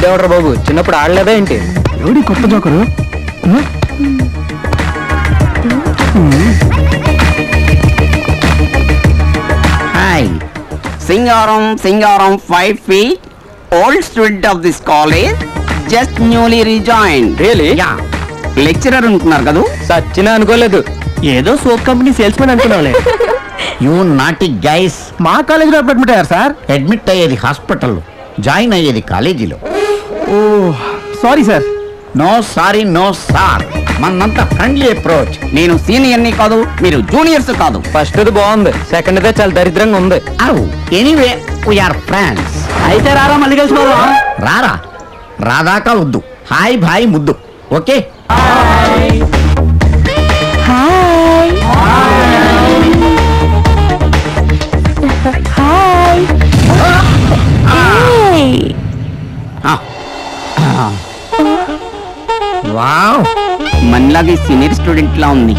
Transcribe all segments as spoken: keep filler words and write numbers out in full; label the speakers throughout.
Speaker 1: వీడెవడ్రా బాబు, చిన్నప్పుడు ఆడలేదా ఏంటి?
Speaker 2: ఎవడి కొత్త joker?
Speaker 3: Hi, Singaram Singaram five feet old student of this college, just newly rejoin.
Speaker 1: Really?
Speaker 3: Yeah. Lecturer ఉంటున్నారు కదా?
Speaker 1: సచ్చినా అనుకోలేదు.
Speaker 2: ఏదో సోప్ కంపెనీ సేల్స్ మెన్ అనుకున్నావులే.
Speaker 4: You naughty guys.
Speaker 2: మా కాలేజీలో అడ్మిట్ అయ్యారు సార్.
Speaker 4: అడ్మిట్ అయ్యేది హాస్పిటల్లో, జాయిన్ అయ్యేది కాలేజీలో.
Speaker 2: ఓ sorry sir.
Speaker 4: No sorry no sir, మనంతా ఫ్రెండ్లీ అప్రోచ్.
Speaker 3: నేను సీనియర్ని కాదు, మీరు జూనియర్స్ కాదు.
Speaker 1: ఫస్ట్ ది బాగుంది, సెకండ్ దే చాలా దరిద్రంగా ఉంది.
Speaker 4: Anyway we are friends.
Speaker 2: అయితే రారా మళ్ళీ కలిసిపోదాం.
Speaker 4: రారా, రాదాకా వద్దు. హాయ్ భాయ్ ముద్దు. ఓకే.
Speaker 5: హాయ్
Speaker 4: వావ్,
Speaker 3: మనలాగే సీనియర్ స్టూడెంట్ లా ఉంది.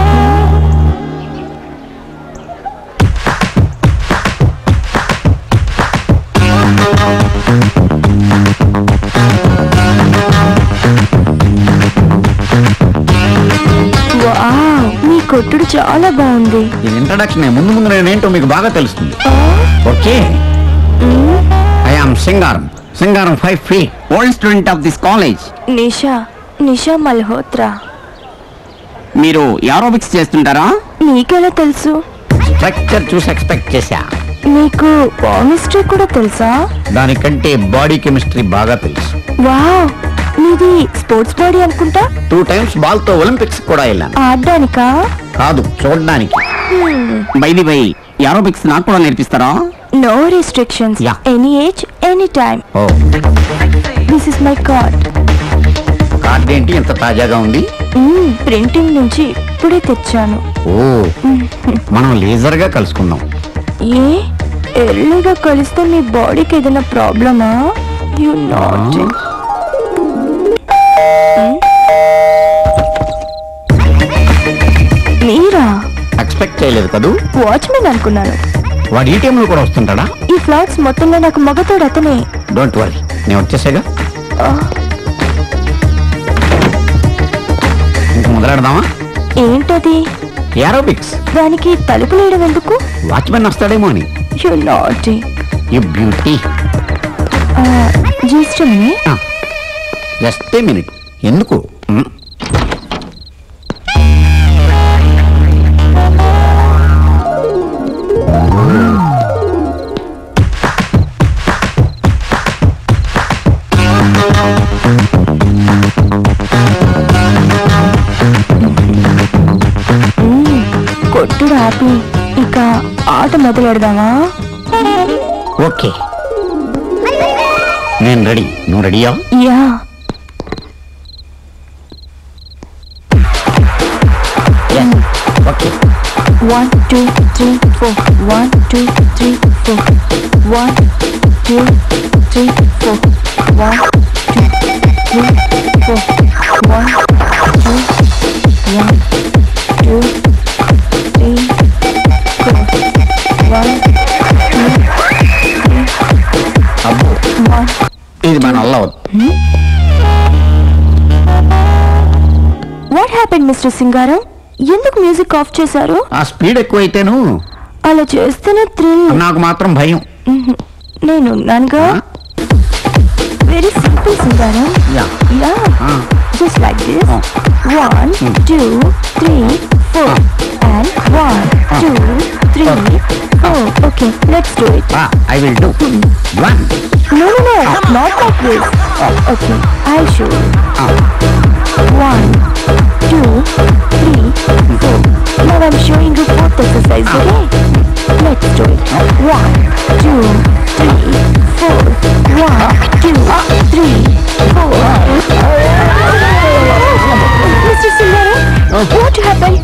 Speaker 5: మీ కొట్టుడు చాలా బాగుంది.
Speaker 4: ఇది ఇంట్రడక్షన్. ముందు ముందు నేనేంటో మీకు బాగా తెలుస్తుంది. Okay. I am Singaram, Singaram five feet
Speaker 3: old student of this college.
Speaker 5: Nisha Nisha Malhotra.
Speaker 3: మీరు ఏరోబిక్స్ చేస్తుంటారా?
Speaker 5: నీకెలా తెలుసు?
Speaker 4: స్ట్రక్చర్ చూసి ఎక్స్పెక్ట్ చేశా.
Speaker 5: నీకు కెమిస్ట్రీ కూడా తెలుసా?
Speaker 4: దానికంటే బాడీ కెమిస్ట్రీ బాగా తెలుసు.
Speaker 5: వావ్, నీది స్పోర్ట్స్ బాడీ అనుకుంటా.
Speaker 4: టూ టైమ్స్ బాల్ తో ఒలింపిక్స్ కూడా వెళ్ళాను.
Speaker 5: ఆడడానికా?
Speaker 4: కాదు, చూడడానికి.
Speaker 3: బైది బై, ఏరోబిక్స్ నాకు కూడా నేర్పిస్తారా?
Speaker 5: No restrictions,
Speaker 4: Yeah.
Speaker 5: Any age any time.
Speaker 4: ఓ,
Speaker 5: this is my card.
Speaker 4: Card ఏంటి ఎంత తాజాగా ఉంది?
Speaker 5: ప్రింటింగ్ నుంచి ఇప్పుడే తెచ్చాను.
Speaker 4: ఓ, మనం లేజర్ గా కలుసుకుందాం.
Speaker 5: ఏ ఎర్లీగా కలిస్తే మీ బాడీకి ఏదైనా ప్రాబ్లమా? You not. మీరా?
Speaker 4: ఎక్స్పెక్ట్ చేయలేదు కదూ.
Speaker 5: వాచ్మెన్ అనుకున్నాను.
Speaker 4: వాడు ఈ టైంలో కూడా వస్తుంటాడా?
Speaker 5: ఈ ఫ్లాట్స్ మొత్తంలో నాకు మగతోడు అతనే.
Speaker 4: డోంట్ వరీ, నేను వచ్చేసాగా. ఇంక మొదలెడదామా?
Speaker 5: ఏంటది?
Speaker 4: ఏరోబిక్స్.
Speaker 5: దానికి తలుపులు వేయడం ఎందుకు?
Speaker 4: వాచ్మెన్ వస్తాడేమో అని.
Speaker 5: You not.
Speaker 4: You beauty.
Speaker 5: Just minute.
Speaker 4: Just a minute. ఎందుకు?
Speaker 5: కొట్టుడు ఆపి ఇక ఆట మొదలెడదామా?
Speaker 4: ఓకే, నేను రెడీ. నువ్వు రెడీయా?
Speaker 5: Yeah.
Speaker 4: Okay.
Speaker 5: One, two, three, four. One, two, three, four. One, two, three, four. One, two, three, four. One, two, one, two, three, four. One, two, three,
Speaker 4: అబ్బో,
Speaker 5: one.
Speaker 4: ఇది మన వల్ల అవుతుంది.
Speaker 5: What happened, mister Singaram? ఎందుకు music of చేశారు?
Speaker 4: ఆ speed ఎక్కువైతేను
Speaker 5: అలా చేస్తేనే థ్రిల్.
Speaker 4: నాకు మాత్రం భయం.
Speaker 5: నేను ఉన్నానుగా. Very simple Singaram.
Speaker 4: Yeah.
Speaker 5: Yeah.
Speaker 4: Ah.
Speaker 5: Just like this.
Speaker 4: Oh.
Speaker 5: One,
Speaker 4: Mm.
Speaker 5: two, three, four.
Speaker 4: Ah.
Speaker 5: And one,
Speaker 4: Ah.
Speaker 5: two, three,
Speaker 4: Okay.
Speaker 5: four. Okay, let's do it.
Speaker 4: I will do. One.
Speaker 5: No, no, no, not like this. Okay, I'll show you. One, two, three, four. Now I'm showing you both exercise, okay? Let's do it. One, two, three, four. One, two, three, four. Mister Singaram, what happened?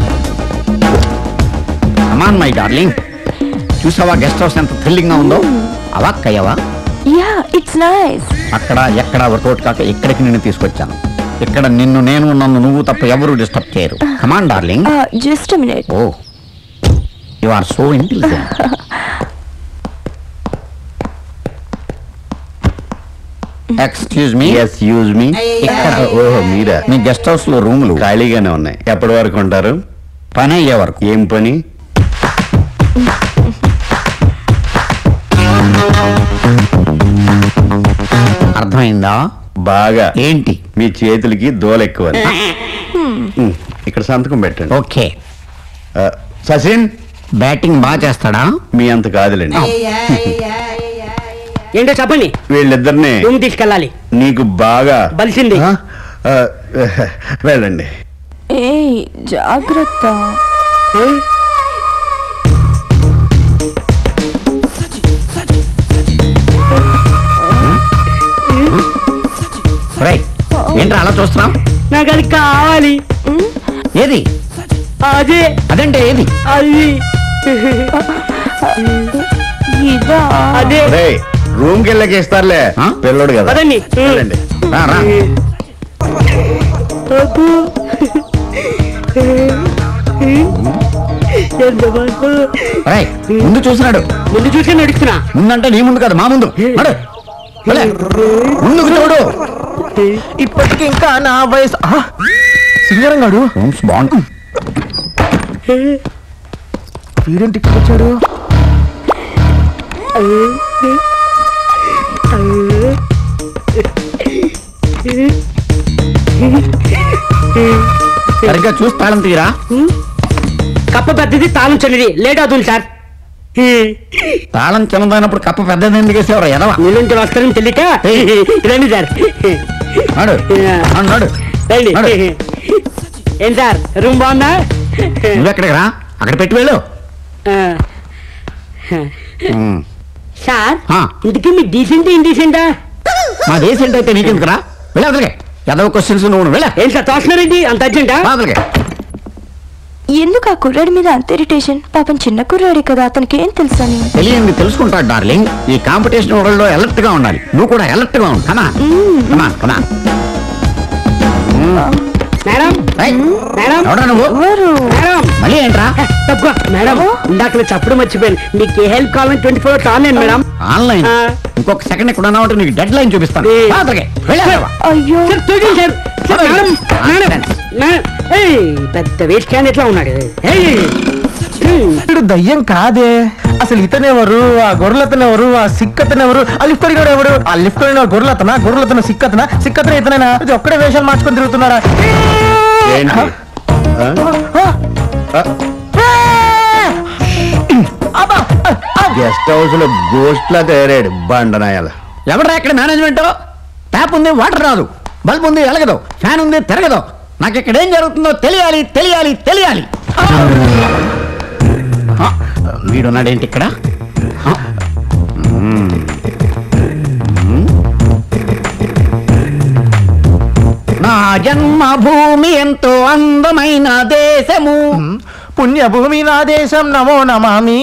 Speaker 4: అమాన్ my darling, చూసావా guest house ఎంత thrilling గా ఉందో? అవాక్కయ్యవా?
Speaker 5: Yeah, it's nice.
Speaker 4: అక్కడ ఎక్కడ work out కాక ఇక్కడికి నిన్ను తీసుకొచ్చాను. ఇక్కడ నిన్ను నేను నన్ను నువ్వు తప్ప ఎవరు డిస్టర్బ్ చేయరు. Come on darling.
Speaker 5: Uh, just a minute.
Speaker 4: ఓ, you are so intelligent. Excuse me
Speaker 6: ఎస్ యూజ్ మీ
Speaker 4: ఇక్కడ
Speaker 6: ఓహో మీరా
Speaker 4: మీ గెస్ట్ హౌస్ లో రూములు
Speaker 6: ఖాళీగానే ఉన్నాయి ఎప్పటి వరకు ఉంటారు?
Speaker 4: పని అయ్యే వరకు.
Speaker 6: ఏం పని?
Speaker 4: అర్థమైందా?
Speaker 6: బాగా.
Speaker 4: ఏంటి?
Speaker 6: మీ చేతులకి దోల ఎక్కువ. ఉమ్, ఇక్కడ సంతకం పెట్టండి.
Speaker 4: ఓకే.
Speaker 6: ఆ, సచిన్
Speaker 4: బ్యాటింగ్ బాగా చేస్తాడా?
Speaker 6: మీ అంత కాదులేండి.
Speaker 2: ఏంటో చెప్పండి.
Speaker 6: వీళ్ళిద్దరిని
Speaker 2: రూమ్ తీసుకెళ్ళాలి.
Speaker 6: నీకు బాగా
Speaker 2: బలిసింది.
Speaker 6: ఆ, ఆ, వెళ్ళండి.
Speaker 5: ఏయ్ జాగ్రత్త.
Speaker 4: రైట్. ఏంట్రా అలా చూస్తున్నాం?
Speaker 2: నాకు అది కావాలి.
Speaker 4: ఏది?
Speaker 2: అదే
Speaker 4: అదంటే ఏది?
Speaker 2: అది
Speaker 5: ఇదా?
Speaker 2: అదే
Speaker 6: రేయ్, రూమ్ కి వెళ్ళకి ఇస్తారులే,
Speaker 4: ఆ?
Speaker 6: పిల్లడు కదా.
Speaker 2: పదండి.
Speaker 6: వెళ్ళండి.
Speaker 4: రా, రా. రైట్. ముందు చూసినాడు.
Speaker 2: ముందు చూసే నడుస్తున్నా.
Speaker 4: ముందంటే నీ ముందు కాదు, మా ముందు. నడు. వెళ్ళే. ముందుకు చూడు.
Speaker 2: ఇప్పటికి ఇంకా నా వయసు సింగరం గాడు
Speaker 4: రూమ్స్ బాగుంది.
Speaker 2: వీడేంటి ఇక్కడ వచ్చాడు?
Speaker 4: సరిగ్గా చూసి తాళం తీరా.
Speaker 2: కప్ప పెద్దది తాళం చిన్నది లేట్ అవుతుంది సార్.
Speaker 4: తాళం చిన్నదైనప్పుడు కప్ప పెద్దది ఎందుకు వేసేవారు? ఎదవా.
Speaker 2: నీళ్ళుంటి వస్తారని తెలియక రండి సార్.
Speaker 4: నడు. నడు, నడు.
Speaker 2: రండి.
Speaker 4: నడు.
Speaker 2: ఏం సార్ రూమ్ బాగుందా?
Speaker 4: నువ్వెక్కడికి రా, అక్కడ పెట్టి వెళ్ళు. ఉమ్.
Speaker 2: సార్
Speaker 4: ఆ.
Speaker 2: ఇంటికి మీ డీసెంట్ ఇండీసెంటా?
Speaker 4: మా దేశం అయితే నీకెందుకు రా? వెళ్ళి అదలకే. ఎదవ క్వశ్చన్స్ నువ్వు వెళ్ళా.
Speaker 2: ఏం సార్ తోస్తున్నారండి అంత అర్జెంటా?
Speaker 4: అదలకే.
Speaker 5: ఎందుకు ఆ కుర్రాడి మీద అంత ఇరిటేషన్? పాపం చిన్న కుర్రాడే కదా, అతనికి ఏం తెలుసని.
Speaker 4: తెలియంది తెలుసుకుంటాడు డార్లింగ్. ఈ కాంపిటీషన్ వరల్డ్ లో అలర్ట్ గా ఉండాలి. నువ్వు కూడా అలర్ట్ గా ఉండు. కమా కమా కమా.
Speaker 2: మేడం మేడం
Speaker 4: ఎవడా నువ్వు?
Speaker 5: ఎవరు?
Speaker 2: మేడం
Speaker 4: మళ్ళీ ఏంట్రా?
Speaker 2: తక్కువ మేడం ఇందాక చెప్పడం మర్చిపోయాను. మీకు ఏ హెల్ప్ కావాలని twenty four hours online madam.
Speaker 4: Online.
Speaker 2: ఆ.
Speaker 4: ఇంకొక సెకండ్ ఇక్కడ ఉన్నావు అంటే నీకు డెడ్ లైన్ చూపిస్తాను.
Speaker 2: ఏ.
Speaker 4: అదలకే. వెళ్ళి అదలవా.
Speaker 5: అయ్యో
Speaker 2: సార్ చూడండి sir. Sir madam madam madam. ఏయ్, పెద్ద వేస్ట్ క్యాండిడేట్ లా ఉన్నాడు. ఏయ్.
Speaker 7: వీడు దయ్యం కాదే. అసలు ఇతనెవరు, ఆ గొర్రెలతనెవరు, ఆ సిక్కతనెవరు, ఆ లిఫ్ట్ అడిగాడు ఎవరు? ఆ లిఫ్ట్ అడిగిన గొర్రెలతన, గొర్రెలతన సిక్కతన, సిక్కతన ఇతనైనా? ఇది ఒక్కడే వేషాలు మార్చుకొని తిరుగుతున్నాడా?
Speaker 6: ఏంటి? గెస్ట్ హౌస్ లో గోస్ట్ లా తయారాడు బండనాయాల.
Speaker 4: ఎవడరా ఇక్కడ మేనేజ్మెంట్? ట్యాప్ ఉంది, వాటర్ రాదు. బల్బ్ ఉంది, వెలగదు. ఫ్యాన్ ఉంది, తిరగదు. నాకు ఇక్కడ ఏం జరుగుతుందో తెలియాలి, తెలియాలి, తెలియాలి. ఆ, వీడున్నాడేంటి ఇక్కడ? ఆ, మ్మ్. మ్మ్. నా జన్మభూమి ఎంతో అందమైన దేశము.
Speaker 7: పుణ్యభూమి నా దేశం నమో నమామి.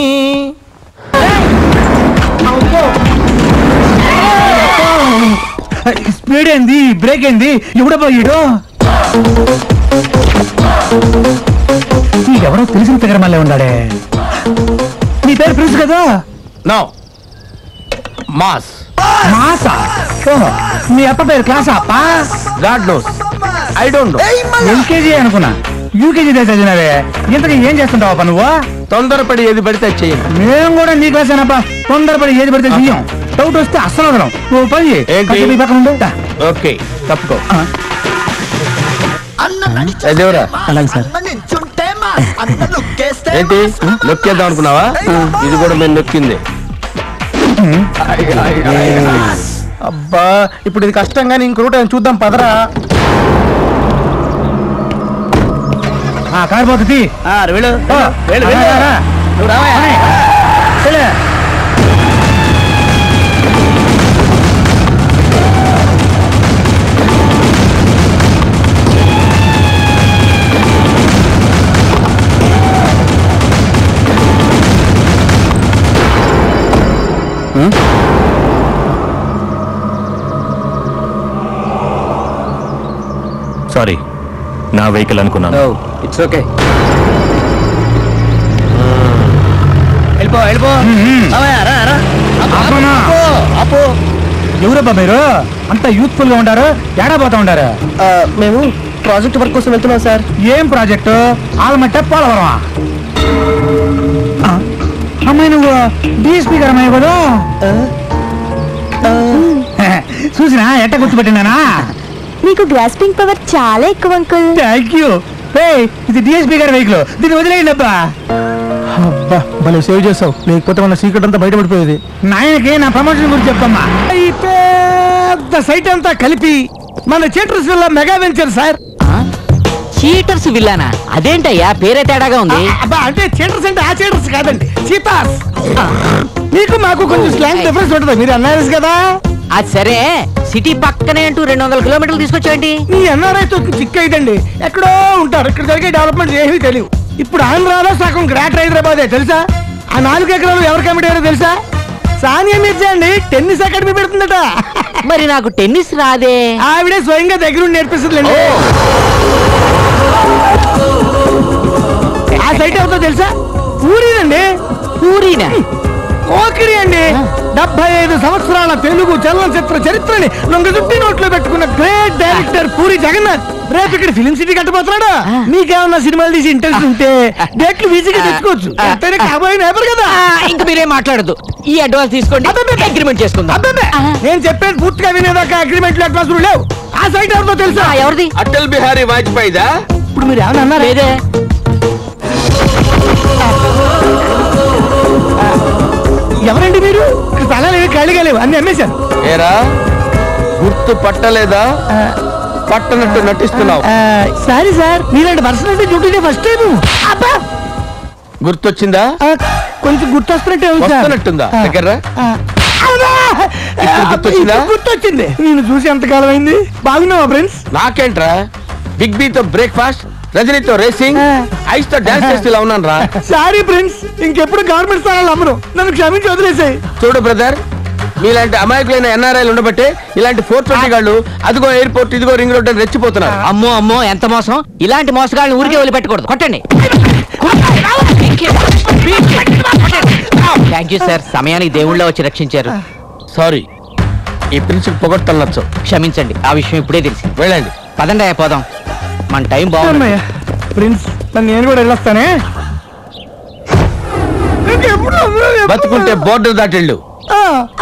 Speaker 7: స్పీడ్ ఏంది, బ్రేక్ ఏంది? ఎవడబ్బా ఈడు? ఎవరో తెలిసిన దగ్గర మళ్ళీ ఉన్నాడే. నీ పేరు ప్రిన్స్ కదా?
Speaker 2: నో మాస్
Speaker 7: మాసా? ఓహో, మీ అప్ప పేరు క్లాసా అప్ప?
Speaker 2: God knows I don't know.
Speaker 7: LKG అనుకున్నా, యూకేజీ చదివినవే. ఇంతకీ ఏం చేస్తుంటావా నువ్వు?
Speaker 2: తొందరపడి ఏది పడితే అది చెయ్యండి.
Speaker 7: మేము కూడా నీ క్లాసేనప్ప. తొందరపడి ఏది పడితే చెయ్యం. డౌట్ వస్తే అస్సలు వదలం. నువ్వు పని చెయ్యి.
Speaker 2: ఏంటి?
Speaker 7: కాసేపు ఈ పక్కన ఉండు. దా.
Speaker 2: ఓకే తప్పుకో.
Speaker 7: ఆ.
Speaker 2: దేవరా
Speaker 7: అలాగే సార్.
Speaker 2: ఏంటి నొక్కేద్దాం అనుకున్నావా? ఇది కూడా మేము నొక్కింది.
Speaker 7: అబ్బా ఇప్పుడు ఇది కష్టంగా ఇంక రూట్ ఏమైనా చూద్దాం పదరా. కారు పోతుంది.
Speaker 2: వెళ్ళు
Speaker 7: ఓ,
Speaker 2: వెళ్ళు,
Speaker 7: రా, రా, రా.
Speaker 2: నువ్వు రావా?
Speaker 7: వెళ్ళు.
Speaker 1: సారీ, నా వెహికల్ అనుకున్నాను.
Speaker 2: It's okay. వెళ్ళిపో వెళ్ళిపో.
Speaker 7: మ్మ్.
Speaker 2: రావయ్యా, రా, రా.
Speaker 7: ఆపమా.
Speaker 2: ఆపు, ఆపు.
Speaker 7: ఎవరబ్బా మీరు అంత యూత్ఫుల్ గా ఉంటారు, ఏడా పోతా ఉంటారు?
Speaker 2: మేము ప్రాజెక్ట్ వర్క్ కోసం వెళ్తున్నాం సార్.
Speaker 7: ఏం ప్రాజెక్టు? ఆలమట్ట పోలవరమా? అమ్మాయి నువ్వు డిఎస్పీ గారు అమ్మాయి కదా? చూసినా ఎట్ట గుర్తుపెట్టినానా?
Speaker 5: మీకు గ్రాస్పింగ్ పవర్ చాలా ఎక్కువ అంకుల్.
Speaker 7: Thank you. ఇది డిఎస్పీ గారి వెహికల్, దీన్ని వదిలేయండి అబ్బా. అబ్బా భలే సేవ్ చేసావు, లేకపోతే మన సీక్రెట్ అంతా బయటపడిపోయేది. నాయనకి నా ప్రమోషన్ గురించి చెప్పమ్మా. ఈ పెద్ద సైట్ అంతా కలిపి మన cheaters villa mega venture sir.
Speaker 2: Cheaters విల్లానా? అదేంటయ్యా పేరే తేడాగా ఉంది.
Speaker 7: అబ్బా అంటే చీటర్స్ అంటే ఆ చీటర్స్ కాదండి, చీతాస్. మీకు మాకు కొంచెం స్లాంగ్ డిఫరెన్స్ ఉంటుంది, మీరు అన్నారు కదా.
Speaker 2: అది సరే, సిటీ పక్కనే అంటూ రెండు వందల కిలోమీటర్లు తీసుకొచ్చాండి.
Speaker 7: ఈ ఎన్ఆర్ఐ తో చిక్ అయితండి, ఎక్కడో ఉంటారు. ఇక్కడ జరిగే డెవలప్మెంట్ ఏమీ తెలియదు. ఇప్పుడు ఆంధ్రాలో సగం గ్రేటర్ హైదరాబాదే తెలుసా? ఆ నాలుగు ఎకరాలు ఎవరు కమిటీ తెలుసా? సానియా మిర్జా అండి, టెన్నిస్ అకాడమీ పెడుతుందట.
Speaker 2: మరి నాకు టెన్నిస్ రాదే.
Speaker 7: ఆవిడే స్వయంగా దగ్గరుండి నేర్పిస్తుందండి. ఆ సైట్ ఎవరితో తెలుసా? పూరీనండి.
Speaker 2: పూరీనా?
Speaker 7: ఓకిరి అండి. డెబ్బై ఐదు సంవత్సరాల తెలుగు చలనచిత్ర చరిత్రని లొంగ చుట్టి నోట్లో పెట్టుకున్న గ్రేట్ డైరెక్టర్ పూరి జగన్నాథ్ రేపు ఇక్కడ ఫిలిం సిటీ కట్టబోతున్నాడు. మీకేమన్నా సినిమాలు తీసి ఇంట్రెస్ట్ ఉంటే డేట్లు ఈజీగా తెచ్చుకోవచ్చు. ఎంతైనా కాబోయే నేపర్ కదా.
Speaker 2: ఇంకా మీరేం మాట్లాడదు, ఈ అడ్వాన్స్ తీసుకోండి, అగ్రిమెంట్ చేసుకుందాం.
Speaker 7: నేను చెప్పేది పూర్తిగా వినేదాకా అగ్రిమెంట్లు అడ్వాన్స్ లేవు. ఆ సైట్ ఎవరితో తెలుసా?
Speaker 2: ఎవరిది?
Speaker 3: అటల్ బిహారీ వాజ్పేయిదా?
Speaker 7: ఇప్పుడు మీరు ఏమన్నా అన్నారా?
Speaker 2: లేదే.
Speaker 7: ఎవరండి మీరు? స్థలాలు ఏమి ఖాళీగా లేవు, అన్ని అమ్మేశారు.
Speaker 3: ఏరా గుర్తు పట్టలేదా? పట్టనట్టు నటిస్తున్నావు.
Speaker 7: సారీ సార్, మీలాంటి పర్సనాలిటీ డ్యూటీ ఫస్ట్ టైం.
Speaker 3: గుర్తొచ్చిందా?
Speaker 7: కొంచెం గుర్తొస్తున్నట్టే ఉంది సార్.
Speaker 3: వస్తున్నట్టుందా? దగ్గర
Speaker 7: గుర్తొచ్చిందా? గుర్తొచ్చింది. నేను చూసి ఎంతకాలం అయింది. బాగున్నావా ఫ్రెండ్స్?
Speaker 3: నాకేంట్రా, బిగ్ బి తో బ్రేక్ఫాస్ట్, రజనీతో రేసింగ్, ఐస్ తో డాన్స్ చేస్తూ ఇలా ఉన్నాను రా.
Speaker 7: సారీ ఫ్రెండ్స్, ఇంకెప్పుడు గవర్నమెంట్ స్థానాలు అమ్మను, నన్ను క్షమించి వదిలేసాయి.
Speaker 3: చూడు బ్రదర్, మీలాంటి అమాయకులైన ఎన్ఆర్ఐలు ఉండబట్టే ఇలాంటి ఫోర్ ట్వంటీ గాళ్ళు అదిగో ఎయిర్పోర్ట్ ఇదిగో రింగ్ రోడ్ అని రెచ్చిపోతున్నారు.
Speaker 2: అమ్మో అమ్మో ఎంత మోసం. ఇలాంటి మోసగాళ్ళని ఊరికే వదిలిపెట్టకూడదు. కొట్టండి. థ్యాంక్ యూ సార్, సమయానికి దేవుళ్ళ వచ్చి రక్షించారు.
Speaker 3: సారీ, ఈ ప్రిన్సిపల్ పొగొట్టలు నచ్చు.
Speaker 2: క్షమించండి, ఆ విషయం ఇప్పుడే తెలిసి.
Speaker 3: వెళ్ళండి.
Speaker 2: పదండి అయ్యా పోదాం, మన టైం బాగుంది.
Speaker 7: ప్రిన్స్, నేను కూడా వెళ్ళొస్తానే.
Speaker 3: బతుకుంటే బోర్డర్ దాటిళ్ళు.